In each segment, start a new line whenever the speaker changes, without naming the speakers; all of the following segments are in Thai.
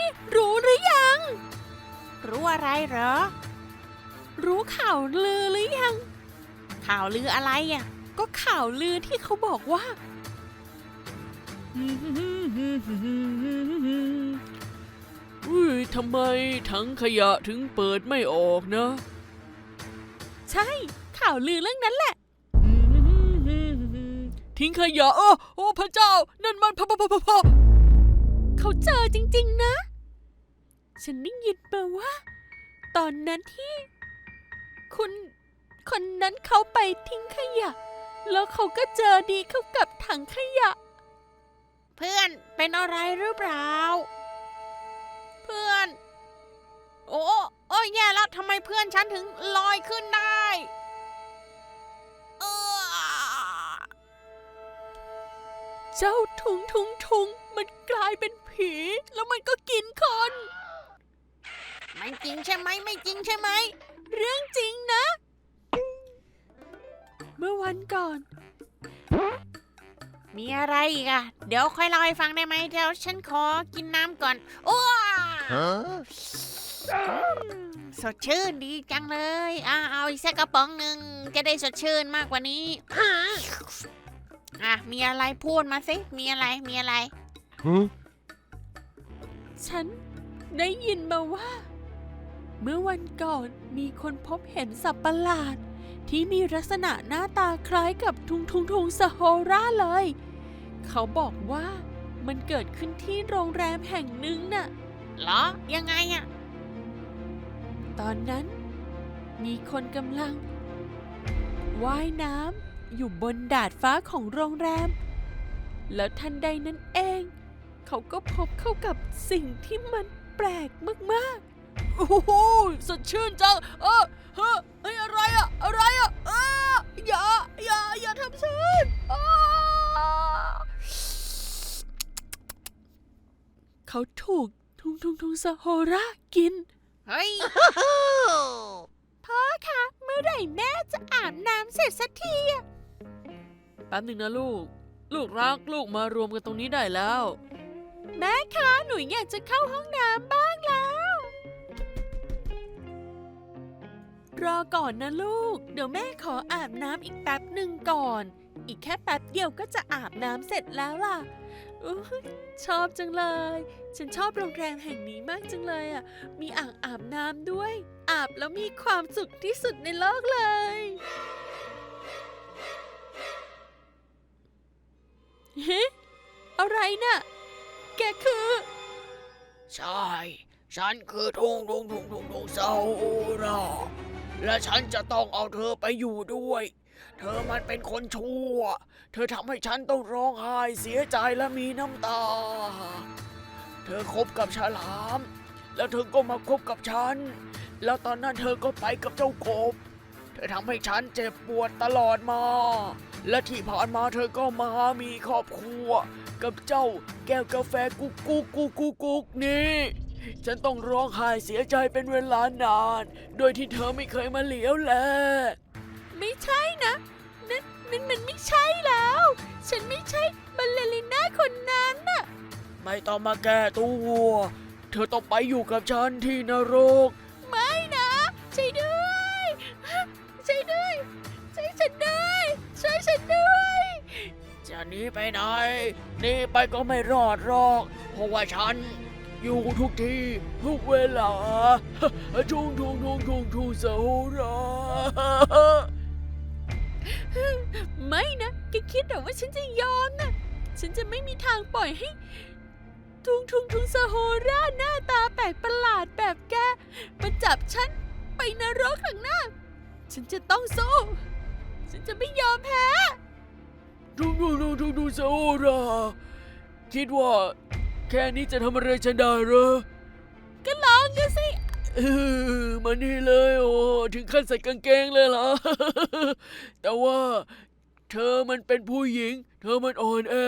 นี่รู้หรือยัง
รู้อะไรเหรอ
รู้ข่าวลือหรือยัง
ข่าวลืออะไรอ่ะ
ก็ข่าวลือที่เขาบอกว่า
อุ้ยทำไมถังขยะถึงเปิดไม่ออกนะ
ใช่ข่าวลือเรื่องนั้นแหละ
ทิ้งขยะโอ้พระเจ้านั่นมันพ่อ
เขาเจอจริงๆนะฉันได้ยินมาว่า ตอนนั้นที่คุณคนนั้นเขาไปทิ้งขยะแล้วเขาก็เจอดีเข้ากับถังขยะ
เพื่อนเป็นอะไรหรือเปล่าเพื่อนโอ้แย่แล้วทำไมเพื่อนฉันถึงลอยขึ้นได้
เจ้าทุงมันกลายเป็นผีแล้วมันก็กินคน
ไม่จริงใช่ไหมไม่จริงใช่ไหม
เรื่องจริงนะเมื่อวันก่อน
มีอะไรอีกอะเดี๋ยวค่อยเล่าให้ฟังได้ไหมเดี๋ยวฉันขอกินน้ำก่อนโอ้สดชื่นดีจังเลยเอาอีกสักกระป๋องหนึ่งจะได้สดชื่นมากกว่านี้มีอะไรพูดมาสิมีอะไร
ฉันได้ยินมาว่าเมื่อวันก่อนมีคนพบเห็นสัตว์ประหลาดที่มีลักษณะหน้าตาคล้ายกับทุงซาโฮราเลยเขาบอกว่ามันเกิดขึ้นที่โรงแรมแห่งหนึ่งน่ะ
เหรอยังไงอะ
ตอนนั้นมีคนกำลังว่ายน้ำอยู่บนดาดฟ้าของโรงแรมแล้วทันใดนั้นเองเขาก็พบเข้ากับสิ่งที่มันแปลกมาก
ๆโอ้โหสดชื่นจังอะไรอะอย่าทำฉัน
เขาถูกทุงซาโฮรากิน
เฮ้ย
พ่อคะเมื่อไหร่แม่จะอาบน้ำเสร็จสักที
แป๊บหนึ่งนะลูกรักลูกมารวมกันตรงนี้ได้แล้ว
แม่คะหนูอยากจะเข้าห้องน้ำบ้างแล้วรอก่อนนะลูกเดี๋ยวแม่ขออาบน้ำอีกแป๊บหนึ่งก่อนอีกแค่แป๊บเดียวก็จะอาบน้ำเสร็จแล้วล่ะชอบจังเลยฉันชอบโรงแรมแห่งนี้มากจังเลยมีอ่างอาบน้ำด้วยอาบแล้วมีความสุขที่สุดในโลกเลยเฮ้อะไรน่ะแกคือ
ใช่ฉันคือทุงซาโฮราและฉันจะต้องเอาเธอไปอยู่ด้วยเธอมันเป็นคนชั่วเธอทำให้ฉันต้องร้องไห้เสียใจและมีน้ำตาเธอคบกับฉลามแล้วเธอก็มาคบกับฉันแล้วตอนนั้นเธอก็ไปกับเจ้ากบเธอทำให้ฉันเจ็บปวดตลอดมาและที่ผ่านมาเธอก็มามีครอบครัวกับเจ้าแก้วกาแฟกุ๊กนี่ฉันต้องร้องไห้เสียใจเป็นเวลานานโดยที่เธอไม่เคยมาเหลียวแล
ไม่ใช่นะนั่นมันไม่ใช่แล้วฉันไม่ใช่บัลเลริน่าคนนั้นน่ะ
ไม่ต้องมาแก้ตัวเธอต้องไปอยู่กับฉันที่นรก
ไม่นะช่วยด้วยช่วยฉันด้วยช่วยฉันด้วย
จะหนีไปไหนหนีไปก็ไม่รอดหรอกเพราะว่าฉันอยู่ทุกที่ทุกเวลาทุงซาโฮรา
ไม่นะแกคิดหรอว่าฉันจะยอมนะฉันจะไม่มีทางปล่อยให้ทุงซาโฮราหน้าตาแปลกประหลาดแบบแกมาจับฉันไปนรกข้างหน้าฉันจะต้องสู้ฉันจะไม่ยอมแพ้
ทุงซาโฮราคิดว่าแค่นี้จะทำอะไรฉันได้เหรอ
ก็ลองดูสิ
มานี่เลยโอ้ถึงขั้นใส่กางเกงเลยเหรอแต่ว่าเธอมันเป็นผู้หญิงเธอมันอ่อนแอ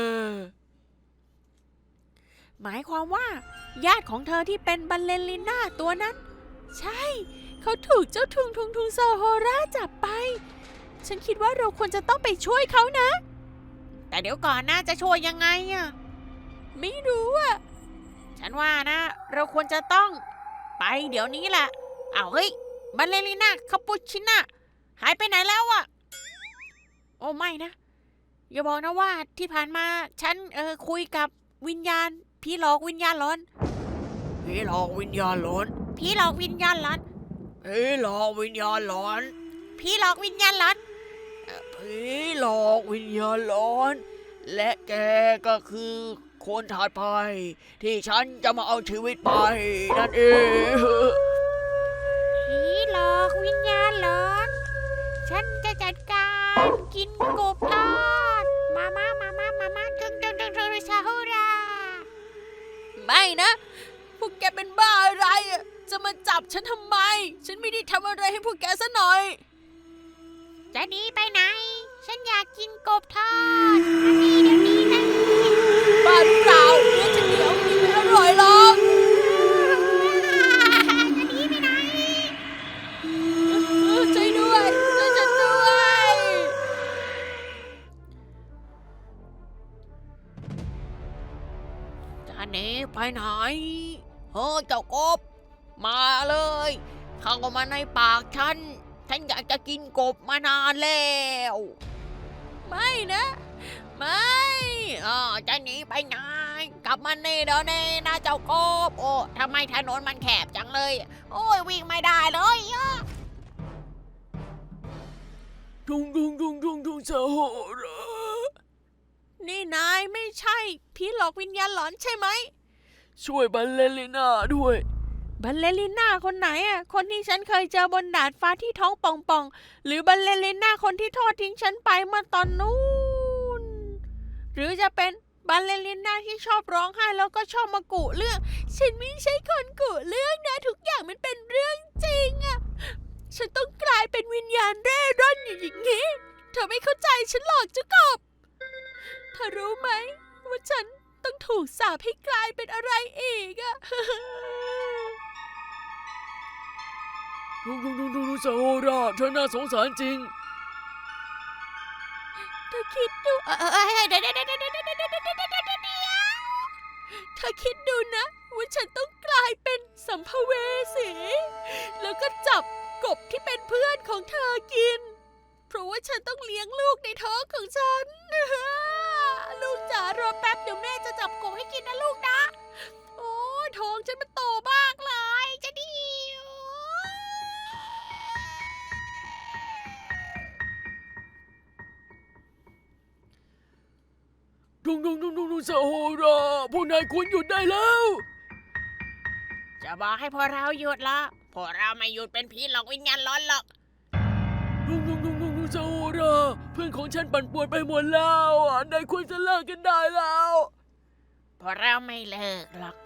หมายความว่าญาติของเธอที่เป็นบัลเลริน่าตัวนั้น
ใช่เขาถูกเจ้าทุงซาโฮราจับไปฉันคิดว่าเราควรจะต้องไปช่วยเขานะ
แต่เดี๋ยวก่อนนะจะช่วยยังไง
ไม่รู้
ฉันว่านะ เราควรจะต้องไปเดี๋ยวนี้แหละอ้าวเฮ้ยบัลเลริน่าคาปูชิน่าหายไปไหนแล้วอะโอ้ไม่นะอย่าบอกนะว่าที่ผ่านมาฉันคุยกับวิญญาณผีหลอกวิญญาณหลอน
ผีหลอกวิญญาณหลอน
ผีหลอกวิญญาณหลอน
ผีหลอกวิญญาณหลอน
ผีหลอกวิญญาณหลอน
ผีหลอกวิญญาณหลอน และแกก็คือคนถัดไปที่ฉันจะมาเอาชีวิตไปนั่นเอง
ผีหลอกวิญญาณหลอนฉันจะจัดการกินกบทอดมาจึงซาฮูรา
ไม่นะ พวกแกเป็นบ้าอะไรอะจะมาจับฉันทำไม ฉันไม่ได้ทำอะไรให้พวกแกซะหน่อย
จะหนีไปไหน ฉันอยากกินกบทอดมานี่เดี๋ยวนี้นะ
บ้าหรือเปล่าเนื้อจะเหนียวกินไม่อร่อยหรอก
จะหนีไปไหน
ช่วยด้วยช่วยฉันด้วย
จะหนีไปไหนเฮ้ยเจ้ากบ มาเลย เข้ามาในปากฉันอยากจะกินกบมานานแล้ว
ไม่นะ ไม่
จะหนีไปไหนกลับมานี่เดี๋ยวนี้นะเจ้ากบ โอ้ทำไมถนนมันแคบจังเลย โอ้ยวิ่งไม่ได้เลยดุงสะโหรา
นี่นายไม่ใช่ผีหลอกวิญญาณหลอนใช่ไหม
ช่วยบัลเลริน่าด้วย
บัลเลริน่าคนไหนอ่ะ คนที่ฉันเคยเจอบนดาดฟ้าที่ท้องป่องๆ หรือบัลเลริน่าคนที่ทอดทิ้งฉันไปเมื่อตอนนู้น หรือจะเป็นบัลเลริน่าที่ชอบร้องไห้แล้วก็ชอบมากุเรื่อง ฉันไม่ใช่คนกุเรื่องนะ ทุกอย่างมันเป็นเรื่องจริงอ่ะ ฉันต้องกลายเป็นวิญญาณเร่ร่อนอย่างนี้ เธอไม่เข้าใจฉันหรอกเจ้ากบเธอรู้ไหมว่าฉันต้องถูกสาปให้กลายเป็นอะไรอีกอะ
ดุงสะโหราเธอน่าสงสารจริง
เธอคิดดู
เดี๋ยว
เธอคิดดูนะว่าฉันต้องกลายเป็นสัมภเวสี แล้วก็จับกบที่เป็นเพื่อนของเธอกิน เพราะว่าฉันต้องเลี้ยงลูกในท้องของฉัน ลูกจ๋ารอแป๊บเดี๋ยวแม่จะจับกบให้กินนะลูกนะ โอ้ยท้องฉันมันโตมากเลยจะดี
ดุงสะโหราพวกนายควรหยุดได้แล้ว
จะบอกให้พวกเราหยุดละพวกเราไม่หยุดเป็นผีหลอกวิญญาณหลอนหรอก
ดุงสะโหราเพื่อนของฉันปั่นป่วนไปหมดแล้วนายควรจะเลิกกันได้แล้ว
พวกเราไม่เลิกหรอก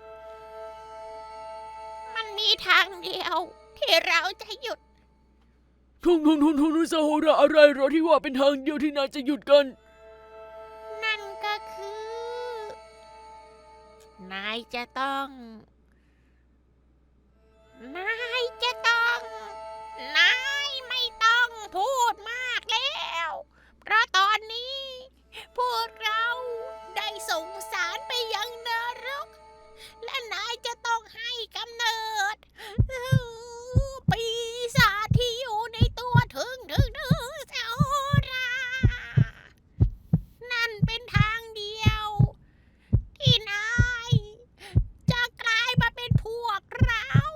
มันมีทางเดียวที่เราจะหยุด
ดุงสะโหราอะไรเหรอที่ว่าเป็นทางเดียวที่นายจะหยุดกัน
นั่นก็คือ นายจะต้อง นายไม่ต้องพูดมากแล้ว เพราะตอนนี้ พวกเราได้ส่งสารไปยังนรก และนายจะต้องให้กำเนิด ปีศาจที่อยู่ในตัวถึงเจ้ารา นั่นเป็นทางเดียว ที่นายจะกลายมาเป็นพวกเรา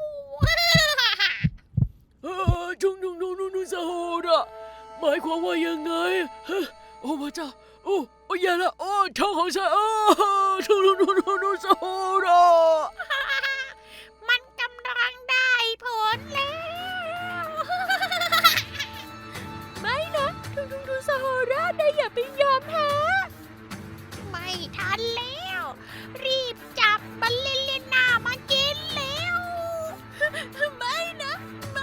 ดุงสะโหราหมายความว่ายังไงโอ้พระเจ้าโอ้แย่แล้วโอ้ท้องของฉันดุงสะโหรา
มันกำลังได้ผลแล้ว
ไม่นะดูซาฮาราได้อย่าไปยอมแพ้
ไม่ทันแล้ว รีบจับบัลลิลิน่ามากินแล้ว
ไม่นะ ไม่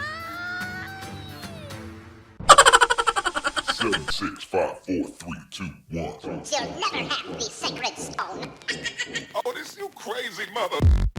7, 6, 5, 4, 3, 2, 1.
You'll never have the sacred stone.
Oh, this you crazy mother.